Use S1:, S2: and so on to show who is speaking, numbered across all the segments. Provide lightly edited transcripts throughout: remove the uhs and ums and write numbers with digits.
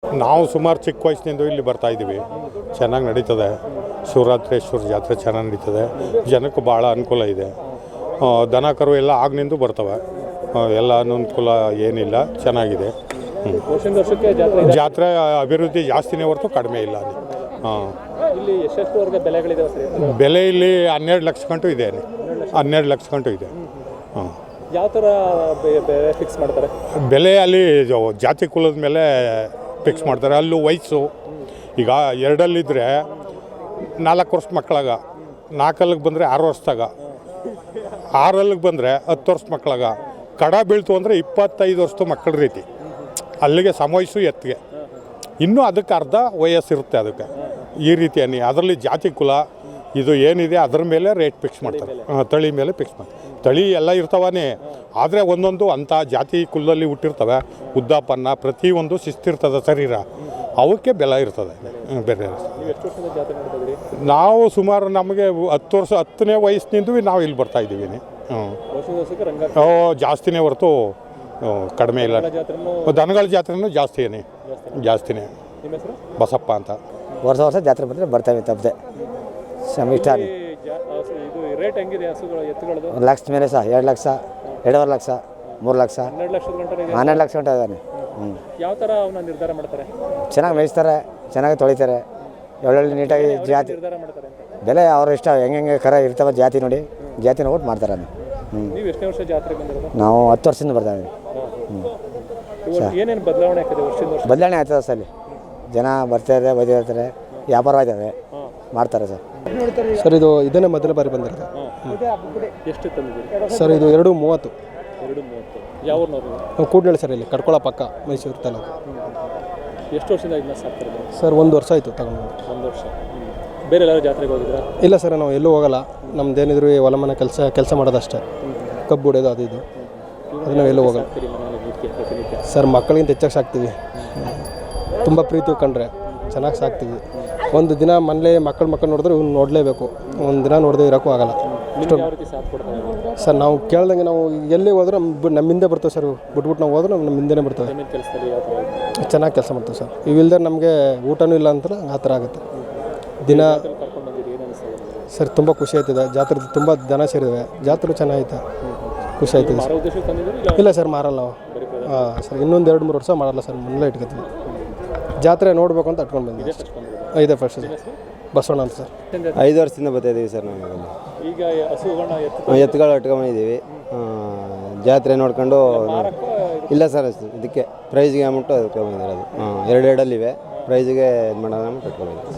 S1: ನಾವು ಸುಮಾರು ಚಿಕ್ಕ ವಯಸ್ಸಿನಿಂದ ಇಲ್ಲಿ ಬರ್ತಾಯಿದ್ದೀವಿ. ಚೆನ್ನಾಗಿ ನಡೀತದೆ. ಶಿವರಾತ್ರೇಶ್ವರ ಜಾತ್ರೆ ಚೆನ್ನಾಗಿ ನಡೀತದೆ. ಜನಕ್ಕೆ ಭಾಳ ಅನುಕೂಲ ಇದೆ. ದನ ಕರು ಎಲ್ಲ ಆಗ್ನಿಂದ ಬರ್ತವೆ. ಎಲ್ಲ ಅನುಕೂಲ ಏನಿಲ್ಲ, ಚೆನ್ನಾಗಿದೆ. ಜಾತ್ರೆ ಅಭಿವೃದ್ಧಿ ಜಾಸ್ತಿನೇ ಹೊರತು ಕಡಿಮೆ ಇಲ್ಲ. ಬೆಲೆ ಇಲ್ಲಿ 12 ಲಕ್ಷ ಗಂಟು ಇದೆ. 12 ಲಕ್ಷ ಗಂಟು ಇದೆ.
S2: ಯಾವ ಥರ ಫಿಕ್ಸ್ ಮಾಡ್ತಾರೆ?
S1: ಬೆಲೆ ಅಲ್ಲಿ ಜಾತಿ ಕುಲದ ಮೇಲೆ ಫಿಕ್ಸ್ ಮಾಡ್ತಾರೆ. ಅಲ್ಲೂ ವಯಸ್ಸು ಈಗ 2ಅಲ್ಲಿದ್ದರೆ 4 ವರ್ಷ ಮಕ್ಕಳಾಗ, 4ಅಲ್ಲಿಗೆ ಬಂದರೆ 6 ವರ್ಷದಾಗ, 6ಅಲ್ಲಿಗೆ ಬಂದರೆ 10 ವರ್ಷ ಮಕ್ಕಳಾಗ, ಕಡ ಬೀಳ್ತು ಅಂದರೆ 25 ವರ್ಷದ ಮಕ್ಕಳ ರೀತಿ ಅಲ್ಲಿಗೆ ಸಮವಯಸ್ಸು ಎತ್ತಿಗೆ. ಇನ್ನೂ ಅದಕ್ಕೆ ಅರ್ಧ ವಯಸ್ಸಿರುತ್ತೆ. ಅದಕ್ಕೆ ಈ ರೀತಿ ಅದರಲ್ಲಿ ಜಾತಿ ಕುಲ ಇದು ಏನಿದೆ ಅದರ ಮೇಲೆ ರೇಟ್ ಫಿಕ್ಸ್ ಮಾಡ್ತಾರೆ. ತಳಿ ಮೇಲೆ ಫಿಕ್ಸ್ ಮಾಡ್ತಾರೆ. ತಳಿ ಎಲ್ಲ ಇರ್ತಾವೇ, ಆದರೆ ಒಂದೊಂದು ಅಂಥ ಜಾತಿ ಕುಲದಲ್ಲಿ ಹುಟ್ಟಿರ್ತವೆ. ಉದ್ದಾಪನ್ನ ಪ್ರತಿಯೊಂದು ಶಿಸ್ತಿರ್ತದೆ ಶರೀರ, ಅವಕ್ಕೆ ಬೆಲೆ ಇರ್ತದೆ. ಬೇರೆ ನಾವು ಸುಮಾರು ನಮಗೆ 10 ವರ್ಷ 10ನೇ ವಯಸ್ಸಿನಿಂದ ನಾವು ಇಲ್ಲಿ ಬರ್ತಾಯಿದ್ದೀವಿ. ಜಾಸ್ತಿನೇ ಹೊರತು ಕಡಿಮೆ ಇಲ್ಲ. ದನಗಳ ಜಾತ್ರೆನೂ ಜಾಸ್ತಿನೇ. ಬಸಪ್ಪ ಅಂತ.
S3: ವರ್ಷ ಜಾತ್ರೆ ಬಂದರೆ ಬರ್ತೇವೆ ತಪ್ಪದೆ. ಇಷ್ಟ
S2: ರೇಟ್ ಹೆಂಗಿದೆ ಹಸುಗಳು ಎತ್ತುಗಳದು?
S3: 1 ಲಕ್ಷ ಮೇಲೆ ಸಹ 2 ಲಕ್ಷ, 2.5 ಲಕ್ಷ, 3 ಲಕ್ಷ, 12 ಲಕ್ಷ ಗಂಟೆ ಇದ್ದಾನೆ.
S2: ಯಾವ ಥರ ಅವನ್ನ ನಿರ್ಧಾರ ಮಾಡ್ತಾರೆ?
S3: ಚೆನ್ನಾಗಿ ಮೇಯಿಸ್ತಾರೆ, ಚೆನ್ನಾಗಿ ತೊಳಿತಾರೆ, ಒಳ್ಳೊಳ್ಳೆ ನೀಟಾಗಿ ಜಾತಿ ಬೆಲೆ ಅವ್ರ ಇಷ್ಟ. ಹೆಂಗೆ ಕರ ಇರ್ತವೆ ಜಾತಿ ನೋಡಿ, ಜಾತಿ ನೋಡ್ಬಿಟ್ಟು ಮಾಡ್ತಾರೆ.
S2: ನೀವು ಎಷ್ಟನೇ ವರ್ಷ ಜಾತ್ರೆ ಬಂದಿರೋದು?
S3: ನಾವು 10 ವರ್ಷದಿಂದ ಬರ್ತಾವೆ.
S2: ಏನೇನು ಬದಲಾವಣೆ ಆಗ್ತದೆ ವರ್ಷದಿಂದ ವರ್ಷ?
S3: ಬದಲಾವಣೆ ಆಗ್ತದೆ ಸರ್. ಅಲ್ಲಿ ಜನ ಬರ್ತಾರೆ, ಬದಿರ್ತಾರೆ, ವ್ಯಾಪಾರ ಆಯ್ತದೆ, ಮಾಡ್ತಾರೆ ಸರ್.
S4: ಸರ್ ಇದು ಇದನ್ನೇ ಮೊದಲ ಬಾರಿ ಬಂದಿರೋದು.
S2: ಎಷ್ಟು ತಂದಿದ್ದೀರಿ
S4: ಸರ್? ಇದು 2.30.
S2: 2.30. ಯಾವ ಊರಿನವರು?
S4: ಕೂಡ್ನಳ್ಳಿ ಸರ್, ಇಲ್ಲಿ ಕಡ್ಕೊಳ ಪಕ್ಕ, ಮೈಸೂರು ತಾಲೂಕು.
S2: ಎಷ್ಟು ವರ್ಷದಿಂದ ಇದನ್ನ ಸಾಕ್ತಾರೆ
S4: ಸರ್? 1 ವರ್ಷ ಆಯಿತು ತಗೊಂಡು.
S2: 1 ವರ್ಷ. ಬೇರೆ ಎಲ್ಲರೂ ಜಾತ್ರೆಗೆ ಹೋಗಿದ್ರಾ?
S4: ಇಲ್ಲ ಸರ್, ನಾವು ಎಲ್ಲೂ ಹೋಗಲ್ಲ. ನಮ್ದೇನಿದ್ರು ಹೊಲ ಮನೆ ಕೆಲಸ ಮಾಡೋದಷ್ಟೇ. ಕಬ್ಬು ಹೊಡೆಯೋದು ಅದು ಇದು, ಅದು ನಾವು ಎಲ್ಲೂ ಹೋಗಲ್ಲ ಸರ್. ಮಕ್ಕಳಿಗಿಂತ ಹೆಚ್ಚಾಗಿ ಸಾಕ್ತೀವಿ. ತುಂಬ ಪ್ರೀತಿ ಕಂಡ್ರೆ ಚೆನ್ನಾಗಿ ಸಾಕ್ತೀವಿ. ಒಂದು ದಿನ ಮನೇಲಿ ಮಕ್ಕಳು ನೋಡಿದ್ರೆ ಇವ್ನು ನೋಡಲೇಬೇಕು. ಒಂದು ದಿನ ನೋಡದೆ ಇರೋಕ್ಕೂ ಆಗಲ್ಲ. ಸರ್ ನಾವು ಕೇಳ್ದಂಗೆ ನಾವು ಎಲ್ಲಿ ಹೋದ್ರೆ ನಮ್ಮಿಂದೆ ಬರ್ತೇವೆ ಸರ್. ಬಿಟ್ಬಿಟ್ಟು ನಾವು ಹೋದ್ರೆ ನಮ್ಮ ಹಿಂದೆನೇ ಬರ್ತೇವೆ. ಚೆನ್ನಾಗಿ ಕೆಲಸ ಮಾಡ್ತೇವೆ ಸರ್. ಇವಿಲ್ದೆ ನಮಗೆ ಊಟನೂ ಇಲ್ಲ ಅಂತ ಆ ಥರ ಆಗುತ್ತೆ ದಿನ. ಸರ್ ತುಂಬ ಖುಷಿ ಆಯ್ತದೆ. ಜಾತ್ರೆ ತುಂಬ ದನ ಸೇರಿವೆ. ಜಾತ್ರೆ ಚೆನ್ನಾಗೈತೆ, ಖುಷಿ ಆಯ್ತದೆ ಸರ್. ಇಲ್ಲ ಸರ್, ಮಾರಲ್ಲ ನಾವು. ಸರ್ ಇನ್ನೊಂದು 2-3 ವರ್ಷ ಮಾಡಲ್ಲ ಸರ್, ಮೊದಲೇ ಇಟ್ಕೊತೀವಿ. ಜಾತ್ರೆ ನೋಡಬೇಕು ಅಂತ ಇಟ್ಕೊಂಡು ಬಂದಿದ್ದೀವಿ. 5 ವರ್ಷ ಬಸವಣ್ಣ ಅಂತ ಸರ್.
S5: 5 ವರ್ಷದಿಂದ ಬರ್ತಾಯಿದ್ದೀವಿ ಸರ್. ನಾವು
S2: ಈಗ ಹಸುಗಳನ್ನ
S5: ಎತ್ತುಗಳು ಇಟ್ಕೊಂಬಂದಿದ್ದೀವಿ. ಜಾತ್ರೆ ನೋಡ್ಕೊಂಡು. ಇಲ್ಲ ಸರ್, ಇದಕ್ಕೆ ಪ್ರೈಸ್ಗೆ ಅಮೌಂಟು ಇಟ್ಕೊಂಬಂದಿರೋದು. 2 ಪ್ರೈಸ್ಗೆ ಇದು ಮಾಡೋಣ ಅಮೌಂಟ್ ಇಟ್ಕೊಂಬಂದಿದ್ದೀವಿ.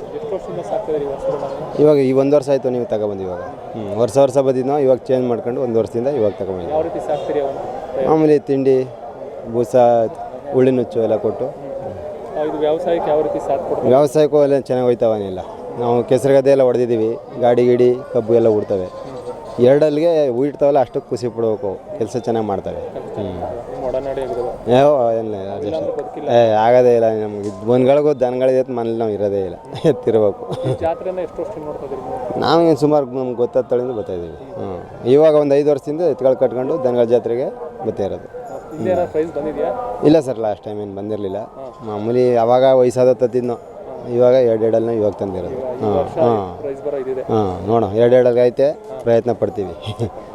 S5: ಇವಾಗ ಈ 1 ವರ್ಷ ಆಯಿತು ನೀವು ತಗೊಬಂದು. ಇವಾಗ ವರ್ಷ ಬಂದಿದ್ದು ಇವಾಗ ಚೇಂಜ್ ಮಾಡ್ಕೊಂಡು 1 ವರ್ಷದಿಂದ ಇವಾಗ ತಗೊಂಡಿದ್ದೀವಿ. ಮಾಮೂಲಿ ತಿಂಡಿ, ಬೂಸ, ಉಳ್ಳಿನುಚ್ಚು ಎಲ್ಲ ಕೊಟ್ಟು.
S2: ವ್ಯವಸಾಯಕ್ಕೆ ಯಾವ ರೀತಿ ಸಾಥ್ ಕೊಡ್ತಾರೆ?
S5: ವ್ಯವಸಾಯಕ್ಕೂ ಎಲ್ಲ ಚೆನ್ನಾಗಿ ಹೋಯ್ತಾವನಿಲ್ಲ. ನಾವು ಕೆಸರು ಗದ್ದೆ ಎಲ್ಲ ಹೊಡೆದಿದ್ದೀವಿ. ಗಾಡಿ ಕಬ್ಬು ಎಲ್ಲ ಉಡ್ತವೆ. 2ಅಲ್ಲಿಗೆ ಉಯ್ತಾವಲ್ಲ, ಅಷ್ಟಕ್ಕೆ ಖುಷಿ ಪಡಬೇಕು. ಕೆಲಸ ಚೆನ್ನಾಗಿ ಮಾಡ್ತವೆ. ಆಗೋದೇ ಇಲ್ಲ ನಮ್ಗೆ. ಬಂದ್ಗಳಿಗೂ ದನಗಳಿದೆ, ಮನೇಲಿ ನಾವು ಇರೋದೇ ಇಲ್ಲ, ಎತ್ತಿರ್ಬೇಕು. ನಾವು ಸುಮಾರು ನಮ್ಗೆ ಗೊತ್ತಾದ ತಳಿಂದ ಬರ್ತಾಯಿದ್ದೀವಿ. ಇವಾಗ ಒಂದು 5 ವರ್ಷದಿಂದ ಎತ್ತುಗಳು ಕಟ್ಕೊಂಡು ದನಗಳ ಜಾತ್ರೆಗೆ ಬರ್ತಾ ಇರೋದು. ಇಲ್ಲ ಸರ್, ಲಾಸ್ಟ್ ಟೈಮ್ ಏನು ಬಂದಿರಲಿಲ್ಲ. ಮಾಮೂಲಿ ಅವಾಗ ವಯಸ್ಸಾದ ತತ್ತಿದ್ನೋ. ಇವಾಗ 2 ಇವಾಗ ತಂದಿರೋದು. ನೋಡೋಣ, 2 ಐತೆ, ಪ್ರಯತ್ನ ಪಡ್ತೀವಿ.